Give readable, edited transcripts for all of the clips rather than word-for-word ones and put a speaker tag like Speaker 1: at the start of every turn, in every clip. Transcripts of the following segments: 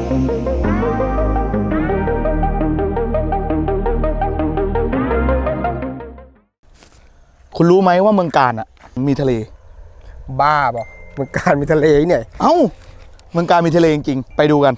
Speaker 1: คุณรู้ไหมว่าเมืองกาญมีทะเล
Speaker 2: บ้าบอกเมืองกาญมีทะเลเนี่ย
Speaker 1: เอ้าเมืองกาญมีทะเลจริงๆไปดูกัน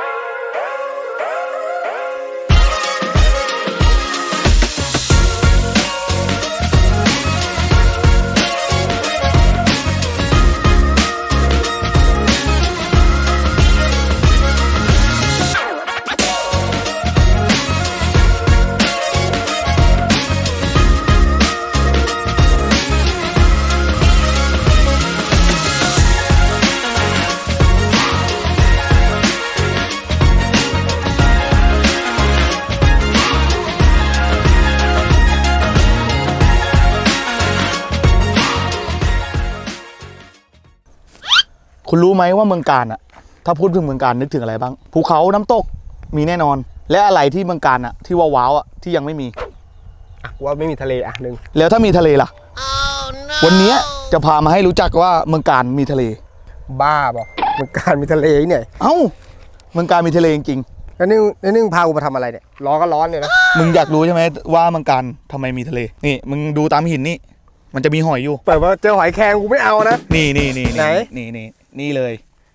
Speaker 1: คุณรู้ไหมว่าเมืองกาญถ้าพูดถึงเมืองกาญนึกถึงอะไรบ้างภูเขาน้ำตกมีแน่นอนและอะไรที่เมืองกาญที่ว้าวที่ยังไม่มี
Speaker 2: ว่าไม่มีทะเลหนึ่ง
Speaker 1: แล้วถ้ามีทะเลล่ะ วันนี้จะพามาให้รู้จักว่าเมืองกาญมีทะเล
Speaker 2: บ้าบอกเมืองกาญมีทะเลเนี่ย
Speaker 1: เอ้าเมืองกาญมีทะเลจริง
Speaker 2: ๆแล้วนี่พากูมาทำอะไรเนี่ยร้อนก็ร้อนเนี่ยนะ
Speaker 1: มึงอยากรู้ใช่ไหมว่าเมืองกาญทำไมมีทะเลนี่มึงดูตามหินนี่มันจะมีหอยอยู่
Speaker 2: แต่ว่าเจอหอยแครงกูไม่เอานะ
Speaker 1: นี่
Speaker 2: ไหน
Speaker 1: นี่เลย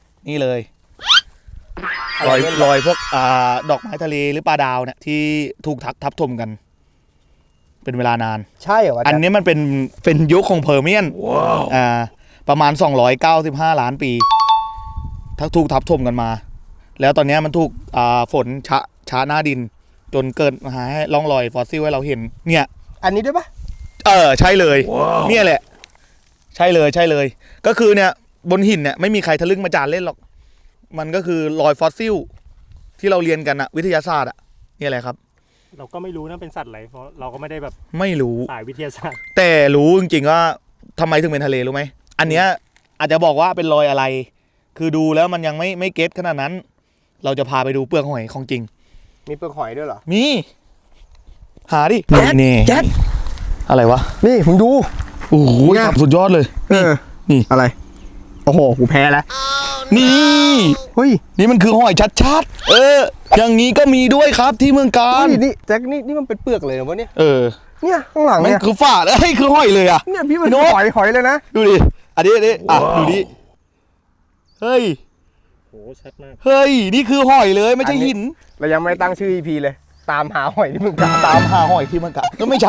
Speaker 1: รอยพวกดอกไม้ทะเลหรือปลาดาวเนี่ยที่ถูกทับถมกันเป็นเวลานาน
Speaker 2: ใช่เหรอ
Speaker 1: อันนี้มันเป็นยุคของเพอร์เมียนประมาณ295 ล้านปีถูกทับถมกันมาแล้วตอนนี้มันถูกฝนช้าหน้าดินจนเกิดหาให้ร่องรอยฟอสซิลให้เราเห็นเนี่ย
Speaker 2: อันนี้ด้วยปะ
Speaker 1: ใช่เลยเนี่ยแหละใช่เลยก็คือเนี่ยบนหินเนี่ยไม่มีใครทะลึ่งมาจานเล่นหรอกมันก็คือรอยฟอสซิลที่เราเรียนกันวิทยาศาสตร์นี่แหละครับ
Speaker 3: เราก็ไม่รู้นะเป็นสัตว์อะไรเพราะเราก็ไม่ได้แบบ
Speaker 1: ไม่รู้
Speaker 3: สายวิทยาศาสตร์
Speaker 1: แต่รู้จริงๆว่าทำไมถึงเป็นทะเลรู้ไหมอันเนี้ยอาจจะบอกว่าเป็นรอยอะไรคือดูแล้วมันยังไม่เก็ตขนาดนั้นเราจะพาไปดูเปลือกหอยของจริง
Speaker 2: มีเปลือกหอยด้วยเหรอ
Speaker 1: มีหาดิ
Speaker 2: นี่แจ๊ด
Speaker 1: อะไรวะ
Speaker 2: นี่มึงดู
Speaker 1: โอ้โหสุดยอดเลยนี่
Speaker 2: อะไรโอ้โหกูแพ้แล้ว
Speaker 1: นี่
Speaker 2: เฮ้ย
Speaker 1: นี่มันคือหอยชัดอย่างนี้ก็มีด้วยครับที่เมืองกาญ
Speaker 2: นี่แจ็คนี่มันเป็นเปลือกเลยเหรอวะเนี่ยเนี่ยข้างหลัง
Speaker 1: เนี่ยคือฝาดคือหอยเลย
Speaker 2: เนี่ยพี่มันหอยเลยนะ
Speaker 1: ดูดิอันนี้ดูดิเฮ้ย
Speaker 3: โหชัดมาก
Speaker 1: เฮ้ยนี่คือหอยเลยไม่ใช่หิน
Speaker 2: เรายังไม่ตั้งชื่อ EP เลยตามหาหอยที่เมืองกาญ
Speaker 1: ตามหาหอยที่เมืองกาญก็ไม่ใช่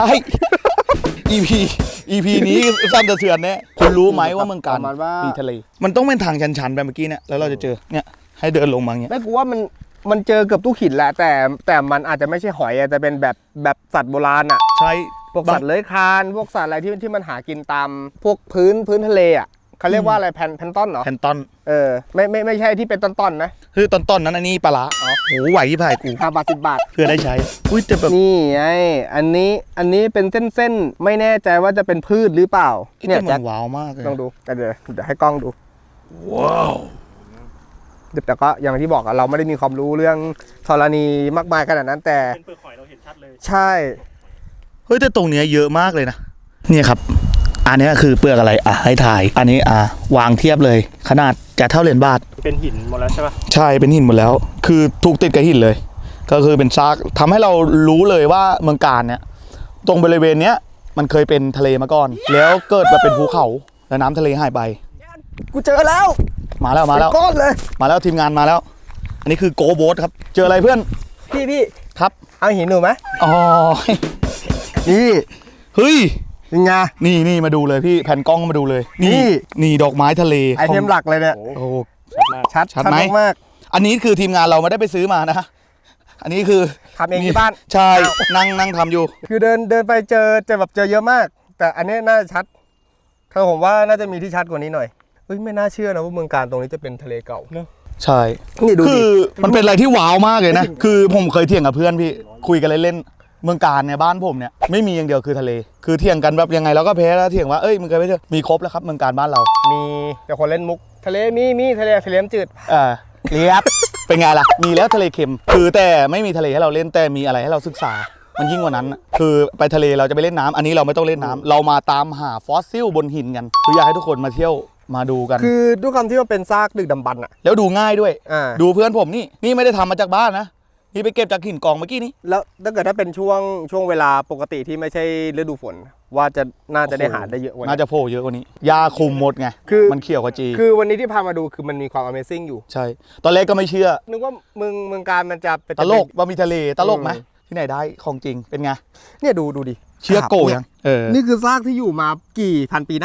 Speaker 1: EP นี้สั้นแต่เสือนเนี่ยคุณรู้ไหมว่าเมืองกาญมีทะเลมันต้องเป็นทางชันๆไปเมื่อกี้เนี่ยแล้วเราจะเจอเนี่ยให้เดินลงมาเนี่ย
Speaker 2: ไม่กูว่ามันเจอเกือบทุกหินแหละแต่มันอาจจะไม่ใช่หอยแต่เป็นแบบสัตว์โบราณ
Speaker 1: ใช่
Speaker 2: พวกสัตว์เลื้อยคลานพวกสัตว์อะไรที่มันหากินตามพวกพื้นทะเลเขาเรียกว่าอะไรแพนต้นเหรอ
Speaker 1: แพนต้น
Speaker 2: ไม่ใช่ที่เป็นต้นนะ
Speaker 1: คือต้นนั้นอันนี้ปลาโอ้โหไหวที่พายกู
Speaker 2: 5 บาท 10 บาท
Speaker 1: เพื่อได้ใช้อุ้ยแต่แบบ
Speaker 2: นี่ไงอันนี้เป็นเส้นไม่แน่ใจว่าจะเป็นพืชหรือเปล่า
Speaker 1: เนี่ยมันว้าวมากเลย
Speaker 2: ลองดูเดี๋ยวให้กล้องดูว้าวแต่ก็อย่างที่บอกเราไม่ได้มีความรู้เรื่องธรณีมากมายขนาดนั้นแต่
Speaker 3: เป็นเปลือกหอยเราเห็นชัดเลย
Speaker 2: ใช่
Speaker 1: เฮ้ยแต่ตรงเนี้ยเยอะมากเลยนะเนี่ยครับอันนี้คือเปลือกอะไรให้ถ่ายอันนี้วางเทียบเลยขนาดจะเท่าเหรียญบาท
Speaker 3: เป็นหินหมดแล้วใช่ปะ
Speaker 1: ใช่เป็นหินหมดแล้วคือถูกติดกับหินเลยก็คือเป็นซากทำให้เรารู้เลยว่าเมืองกาญเนี่ยตรงบริเวณเนี้ยมันเคยเป็นทะเลมาก่อนแล้วเกิดมาเป็นภูเขาแล้วน้ำทะเลหายไป
Speaker 2: กูเจอแล้ว
Speaker 1: มาแล้ว
Speaker 2: ก้อนเลย
Speaker 1: มาแล้วทีมงานมาแล้วอันนี้คือโกโบ๊ทครับเจออะไรเพื่อน
Speaker 2: พี่
Speaker 1: ครับ
Speaker 2: เอาหินหนูไหม
Speaker 1: อ๋อ
Speaker 2: นี่
Speaker 1: เฮ้ย
Speaker 2: ยังไง
Speaker 1: นี่มาดูเลยพี่แผ่นกล้องมาดูเลยนี่ดอกไม้ทะเล
Speaker 2: ไอเทมหลักเลยเนี่ย
Speaker 1: โอ้
Speaker 2: ชัดมาก
Speaker 1: อันนี้คือทีมงานเราไม่ได้ไปซื้อมานะอันนี้คือ
Speaker 2: ทำเองที่บ้าน
Speaker 1: ใช่นั่งทำอยู่
Speaker 2: คือเดินไปเจอเยอะมากแต่อันนี้น่าชัดคือผมว่าน่าจะมีที่ชัดกว่านี้หน่อยเฮ้ยไม่น่าเชื่อนะว่าเมืองกาญตรงนี้จะเป็นทะเลเก่าเนอะ
Speaker 1: ใช่คือมันเป็นอะไรที่ว้าวมากเลยนะคือผมเคยเถียงกับเพื่อนพี่คุยกันเล่นเมืองกาญในบ้านผมเนี่ยไม่มีอย่างเดียวคือทะเลคือเถียงกันแบบยังไงเราก็แพ้แล้วเถียงว่ามึงเคยไปเจอมีครบแล้วครับเมืองกาญบ้านเรา
Speaker 2: มีแต่คนเล่นมุกทะเลมีทะเลจืด
Speaker 1: เรียบเป็นไงล่ะมีแล้วทะเลเค็มคือแต่ไม่มีทะเลให้เราเล่นแต่มีอะไรให้เราศึกษามันยิ่งกว่านั้นคือไปทะเลเราจะไปเล่นน้ำอันนี้เราไม่ต้องเล่นน้ำเรามาตามหาฟอสซิลบนหินกันคืออยากให้ทุกคนมาเที่ยวมาดูกัน
Speaker 2: คือด้วยความที่ว่าเป็นซากดึกดำบรรพ์อ่ะ
Speaker 1: แล้วดูง่ายด้วย
Speaker 2: ดู
Speaker 1: ดูเพื่อนผมนี่ไม่ได้ทำมาจากบ้านนะนี่ไปเก็บจากหินกองเมื่อกี้นี้
Speaker 2: แล้วถ้าเกิดถ้าเป็นช่วงเวลาปกติที่ไม่ใช่ฤดูฝน ว่าจะน่าจะได้หาได้เยอะกว่านี้
Speaker 1: น่าจะโผล่เยอะกว่านี้ยาคุมหมดไง
Speaker 2: คือ
Speaker 1: มันเขียวกว่าจี
Speaker 2: คือวันนี้ที่พามาดูคือมันมีความ Amazing อยู่
Speaker 1: ใช่ ตอนแรกก็ไม่เชื่อ
Speaker 2: นึกว่าเมืองการมันจะเป็น
Speaker 1: ตลกว่ามีทะเลตลกไหมที่ไหนได้ของจริงเป็นไง
Speaker 2: เนี่ยดูดิ
Speaker 1: เชื่อโกยัง
Speaker 2: นี่คือซากที่อยู่มากี่พันปีนะ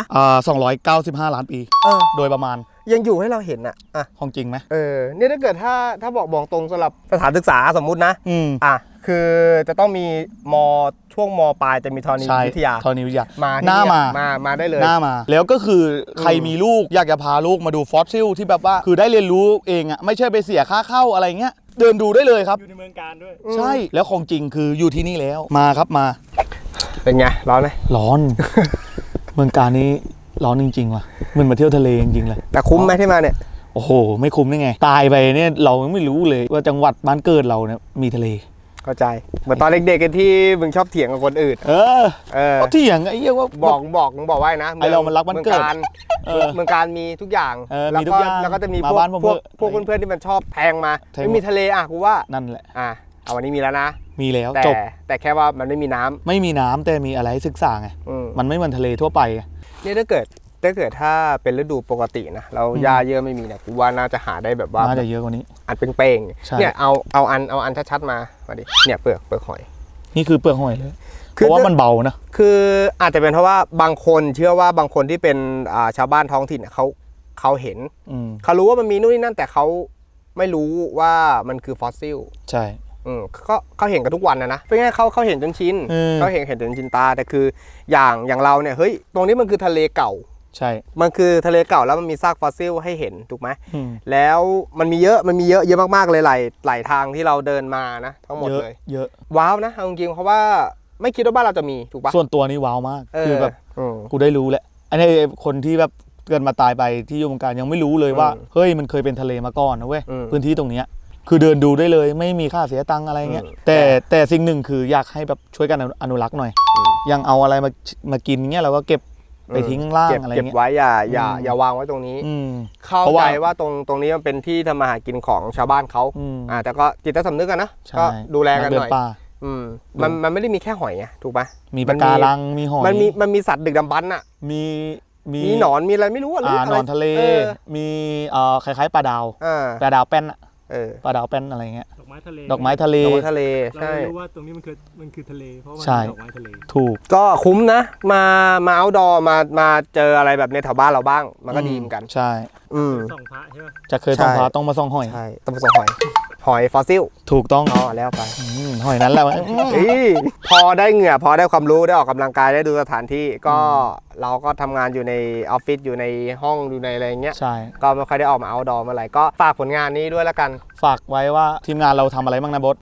Speaker 1: 295 ล้านปี โดยประมาณ
Speaker 2: ยังอยู่ให้เราเห็นอ่ะ
Speaker 1: ของจริงไหม
Speaker 2: เนี่ยถ้าเกิดถ้าบอกตรงสำหรับสถานศึกษาสมมุตินะ คือจะต้องมีช่วงมปลายจะมีธรณีวิทยา
Speaker 1: ธรณีวิทยา
Speaker 2: มา
Speaker 1: หน้า
Speaker 2: มาได้เลย
Speaker 1: หน้ามา แล้วก็คือใครมีลูกอยากจะพาลูกมาดูฟอสซิลที่แบบว่าคือได้เรียนรู้เองอ่ะไม่ใช่ไปเสียค่าเข้าอะไรเงี้ยเดินดูได้เลยครับ
Speaker 3: อยู่ในเมืองการด้วย
Speaker 1: ใช่แล้วของจริงคืออยู่ที่นี่แล้วมาครับมา
Speaker 2: เป็นไงร้อนไหม
Speaker 1: ร้อน เมืองการนี้ร้อนจริงๆว่ะเหมันมาเที่ยวทะเลจริงๆเลย
Speaker 2: แต่คุ้มไหมที่มาเนี่ย
Speaker 1: โอ้โหไม่คุ้มได้ไงตายไปเนี่ยเรายังไม่รู้เลยว่าจังหวัดบ้านเกิดเราเนี่ยมีทะเล
Speaker 2: เข้าใจเหมือนตอนเด็กๆกันที่มึงชอบเถียงกับคนอื่น
Speaker 1: เขาเถียงไอ้เหี้ยว่า
Speaker 2: บอกไว้นะ
Speaker 1: ไอ้เรามันรักบ้านเกิด
Speaker 2: เมืองการมีทุกอย่าง
Speaker 1: มีทุกอย่าง
Speaker 2: แล้วก็จะมี
Speaker 1: มา
Speaker 2: พวก
Speaker 1: บ้านผม
Speaker 2: พวก
Speaker 1: เถอะ
Speaker 2: พวกเพื่อนๆที่มันชอบแพงมา
Speaker 1: แพง
Speaker 2: ไม่มีทะเลกูว่า
Speaker 1: นั่นแหละ
Speaker 2: เอาวันนี้มีแล้วนะ
Speaker 1: มีแล้ว
Speaker 2: แต่
Speaker 1: จบ
Speaker 2: แต่แค่ว่ามันไม่มีน้ำ
Speaker 1: ไม่มีน้ำแต่มีอะไรให้ศึกษาไง
Speaker 2: ม
Speaker 1: มันไม่เหมือนทะเลทั่วไปไง
Speaker 2: นี่ถ้าเกิดถ้าเป็นฤดูปกตินะเราหญ้าเยอะไม่มีเนี่ยกูว่าน่าจะหาได้แบบว่า
Speaker 1: น่าจะเยอะกว่านี้
Speaker 2: อันเป้ง
Speaker 1: ใช่
Speaker 2: ๆเนี่ยเอาอันชัดๆมาดิเนี่ยเปลือกหอย
Speaker 1: นี่คือเปลือกหอยเลย เพ
Speaker 2: คือ
Speaker 1: ราะว่ามันเบานะ
Speaker 2: คืออาจจะเป็นเพราะว่าบางคนเชื่อว่าบางคนที่เป็นชาวบ้านท้องถิ่นเนี่ยเขาเห็น เขารู้ว่ามันมีนู่นนี่นั่นแต่เขาไม่รู้ว่ามันคือฟอสซิล
Speaker 1: ใช่
Speaker 2: เขาเห็นกันทุกวันนะเป็นไงเขาเห็นจนชิน เขาเห็นจนชินตาแต่คืออย่างเราเนี่ยเฮ้ยตรงนี้มันคือทะเลเก่า
Speaker 1: ใช่
Speaker 2: มันคือทะเลเก่าแล้วมันมีซากฟอสซิลให้เห็นถูกไหม
Speaker 1: อืม
Speaker 2: แล้วมันมีเยอะมากๆเลยหลายทางที่เราเดินมานะทั้งหมดเลย
Speaker 1: เยอะ
Speaker 2: ว้าวนะเอาจริงๆเพราะว่าไม่คิดว่าบ้านเราจะมีถูกปะ
Speaker 1: ส่วนตัวนี้ว้าวมากคือแบบ
Speaker 2: อืม
Speaker 1: กูได้รู้แหละอันนี้คนที่แบบเกิดมาตายไปที่อยู่วงการยังไม่รู้เลยว่าเฮ้ยมันเคยเป็นทะเลมาก่อนนะเว้ยพื้นที่ตรงเนี้ยคือเดินดูได้เลยไม่มีค่าเสียตังค์อะไรเงี้ยแต่สิ่งหนึ่งคืออยากให้แบบช่วยกันอนุรักษ์หน่อยยังเอาอะไรมากินเงี้ยเราก็เก็บไปทิ้งข้างล่างอะไร
Speaker 2: เก็บ
Speaker 1: เงี้ย
Speaker 2: ไว้อย่าวางไว้ตรงนี้ เข้า
Speaker 1: เพราะ
Speaker 2: ใจ
Speaker 1: ว่า
Speaker 2: ว่าตรงนี้มันเป็นที่ทำมาหากินของชาวบ้านเขาแต่ก็จิตใต้สำนึกกันนะ
Speaker 1: ใช่
Speaker 2: ก็ดูแลกันหน่อย
Speaker 1: เดิป่า
Speaker 2: มันไม่ได้มีแค่หอยไงถูกปะ
Speaker 1: มีปะการังมีหอย
Speaker 2: มันมีสัตว์ดึกดำบรรพ์อ่ะ
Speaker 1: มี
Speaker 2: มีหนอนมีอะไรไม่รู้อะ
Speaker 1: หนอนทะเลมีคล้ายๆปลาดาวปลาดาวแป้นอะปลาดาวแป้นอะไรเงี้ย
Speaker 3: ดอกไม้ทะเล
Speaker 1: ดอกไม้ทะเล
Speaker 2: ทะเล
Speaker 3: เรา
Speaker 2: ใช่
Speaker 3: รู้ว่าตรงนี้มันคือทะเลเพราะว่า
Speaker 1: ใช่
Speaker 3: มันดอกไม้ทะเล
Speaker 1: ถูก
Speaker 2: ก็คุ้มนะมาเอาท์ดอร์มาเจออะไรแบบในแถวบ้านเราบ้าง มันก็ดีเหมือนกัน
Speaker 1: ใช่
Speaker 3: ส่องพระใช่ไหม
Speaker 1: จะเคยต้องพาต้องมาส่องหอย
Speaker 2: ใช่ต้องผสมหอยฟอสซิล
Speaker 1: ถูกต้อง
Speaker 2: แล้วไป
Speaker 1: หอยนั้นแหละ
Speaker 2: พอได้เหงื่อพอได้ความรู้ได้ออกกำลังกายได้ดูสถานที่ก็เราก็ทำงานอยู่ในออฟฟิศอยู่ในห้องอยู่ในอะไรอย่างเงี้ย
Speaker 1: ใช่
Speaker 2: ก็ไม่ค่อยได้ออกมาเอาท์ดอร์เมื่อไหร่ก็ฝากผลงานนี้ด้วยแล้วกัน
Speaker 1: ฝากไว้ว่าทีมงานเราทำอะไรบ้างนะบด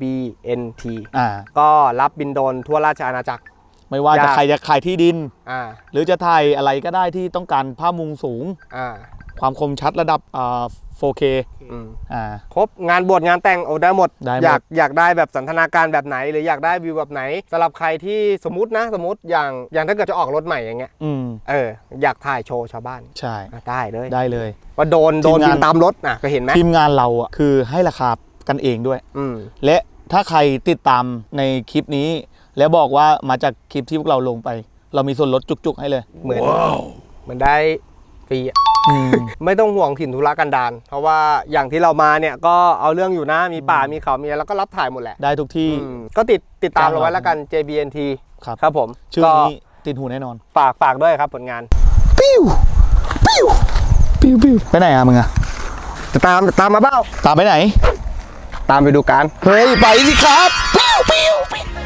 Speaker 2: JBNT ก็รับบินโดรนทั่วราชอาณาจักร
Speaker 1: ไม่ว่าจะใครจะขายที่ดิน
Speaker 2: อ่า
Speaker 1: หรือจะถ่ายอะไรก็ได้ที่ต้องการภาพมุมสูง ความคมชัดระดับ4K
Speaker 2: ครบงานบวชงานแต่งได้หมด
Speaker 1: ได้หมด
Speaker 2: อยากได้แบบสันทนาการแบบไหน หรืออยากได้วิวแบบไหนสำหรับใครที่สมมติอย่างถ้าเกิดจะออกรถใหม่อย่างเงี้ยอยากถ่ายโชว์ชาวบ้าน
Speaker 1: ใช่
Speaker 2: ได้เลย
Speaker 1: ได้เลย
Speaker 2: ว่าโดน
Speaker 1: ทีมงาน
Speaker 2: บินตามรถนะก็เห็นไหม
Speaker 1: ทีมงานเราอ่ะคือให้ราคากันเองด้วย และถ้าใครติดตามในคลิปนี้ แล้วบอกว่ามาจากคลิปที่พวกเราลงไป เรามีส่วนลดจุกๆให้เลย
Speaker 2: เหมือนได้ฟรีไม่ต้องห่วงถิ่นธุรกันดารเพราะว่าอย่างที่เรามาเนี่ยก็เอาเรื่องอยู่นะมีป่ามีเขามีอะไรแล้วก็รับถ่ายหมดแหละ
Speaker 1: ได้ทุกที่
Speaker 2: ก็ติดตามเราไว้แล้วกัน JBNT ครับผม
Speaker 1: ชื่อนี้ติดหูแน่นอน
Speaker 2: ฝากด้วยครับผลงาน
Speaker 1: ปิ้วไปไหนอะมึงอะ
Speaker 2: จะตามมาเปล่า
Speaker 1: ตามไปไหน
Speaker 2: ตามไปดูกัน
Speaker 1: เฮ้ยไปสิครับปิ้ว